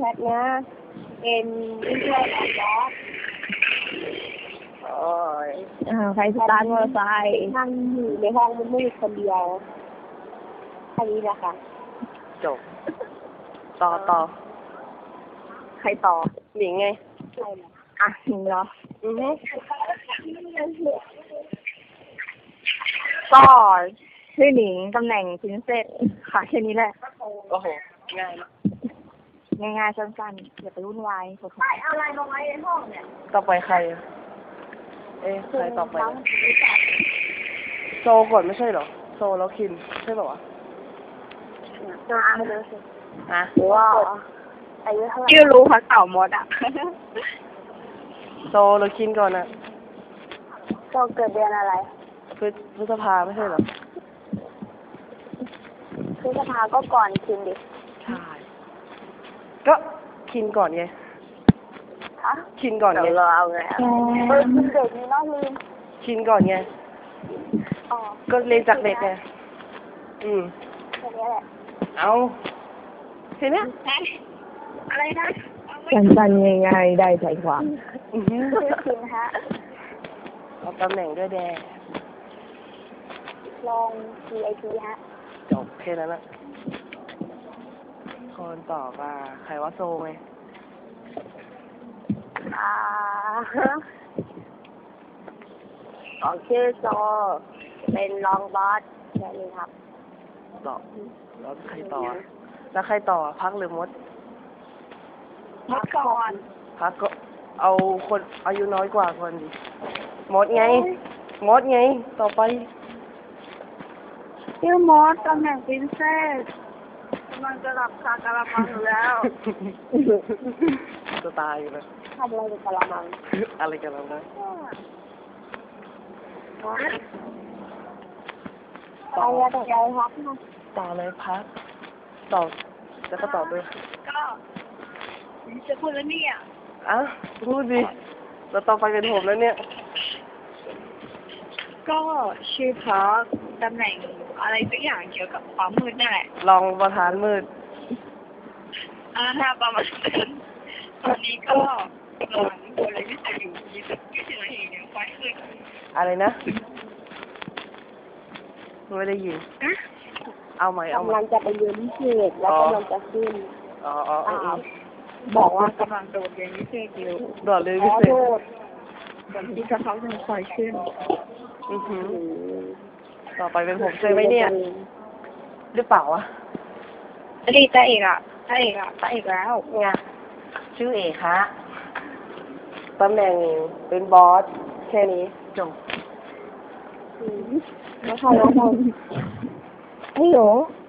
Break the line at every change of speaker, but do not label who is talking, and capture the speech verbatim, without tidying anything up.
แพทนะเป็นวิทยาลัยบอสโอ้ยใครสตาร์ทมอเตอร์ไซค์นั่งอยู่ในห้องมันมืดคนเดียวแค่นี้แหละค่ะ
จบต่อต่อ
ใครต่อ
หนิงไง
ใช่อ่ะหนิงเหรออือฮึก็ชื่อหนิงตำแหน่งพรินเซสค่ะแค่นี้แหละ
โอ้โหง่าย
ง่ายง่ายๆสั้นๆอย่าไปวุ่นวายใส่อะไรมาไว้ในห้องเนี่ย
ต่อไปใครเอ๊ะใครต่อไปโซก่อนไม่ใช่เหรอโซแล้วคินใช่ป่าวะ
ตัวอ่านเลยสิ
อ่ะ
หรือว่าอายุเท่าไหร่ชื่อรู้เขาเต่ามดอ่ะ
โซแล้วคินก่อนนะ
โซเกิดเดือนอะไร
พฤพฤษภาไม่ใช่เหรอ
พฤษภาก็ก่อนคินดิ
ใช่ก็คินก่อนไง
ฮะ
คินก่อนไง
เราเอาไงเออคินเด็กนี่น้องลืม
คินก่อนไง
อ๋อ
ก็เรียนจากเด็กไงอืม
แค่นี้แหละ
เอาเห็นไหม
อะไรนะ
สั้นๆง่ายๆได้ใจความ
ชื่อคินฮะ
เอาตำแหน่งด้วยแดง
ลอง ที ไอ พี ฮะ
จบแค่นั้นแหละคนต่อว่าใครว่าโซไง
อ่าของชื่อโซเป็นรองบอสแค่นี้ครับ
ต่อแล้วใครต่อแล้วใครต่อพักหรือมด
มดก่อน
พักก็เอาคนอายุน้อยกว่าคนดิมดไงมดไงต่อไป
ชื่อมดตำแหน่งพรินเซสมันจะหลับคากะละมังอยู่แล้ว
จะตายอยู่แล้ว
ทำอะไรกับกะละมัง
อะไรกันแล้วนะ
ต่อต่อใจครับ
ต่อเลยพักต่อแล้วก็ต่อด้วย
ก็จะพูดแล้วเนี่ย
อ่ะพูดดิแล้วต่อไปเป็นผมแล้วเนี่ย
ก็ชื่อพักตำแหน่งอะไรสักอย่างเกี่ยวกับความมืดนั่นแหละ
รองประธานมืด
อ่าถ้าประมาณนั้นตอนนี้ก็กำลังดูอะไรวิจัยอยู่ยี่สิบยี่สิบนาทีเนี่ยไฟขึ้น
อะไรนะไม่ได้ยินเอาใหม่เอาใหม่
กำลังจะไปเรียนพิเศษแล้วกำลังจะขึ้น
อ๋ออ๋อ
บอกว่ากำลังโดดเรียนพิเศษอยู่
โดดเรียนพิเศษ
โดดเหมือนที่กระเขาจะคอยขึ้น
อือหือต่อไปเป็นผมใช่ไหมเนี่ยหรือเปล่าวะ
ดีตาเอกอ่ะตาเอกอ่ะตาเอกแล้ว
ไงชื่อเอกฮะตำแหน่งเป็นบอสแค่นี้จบ
แล้วใครแล้วเราไอ้โห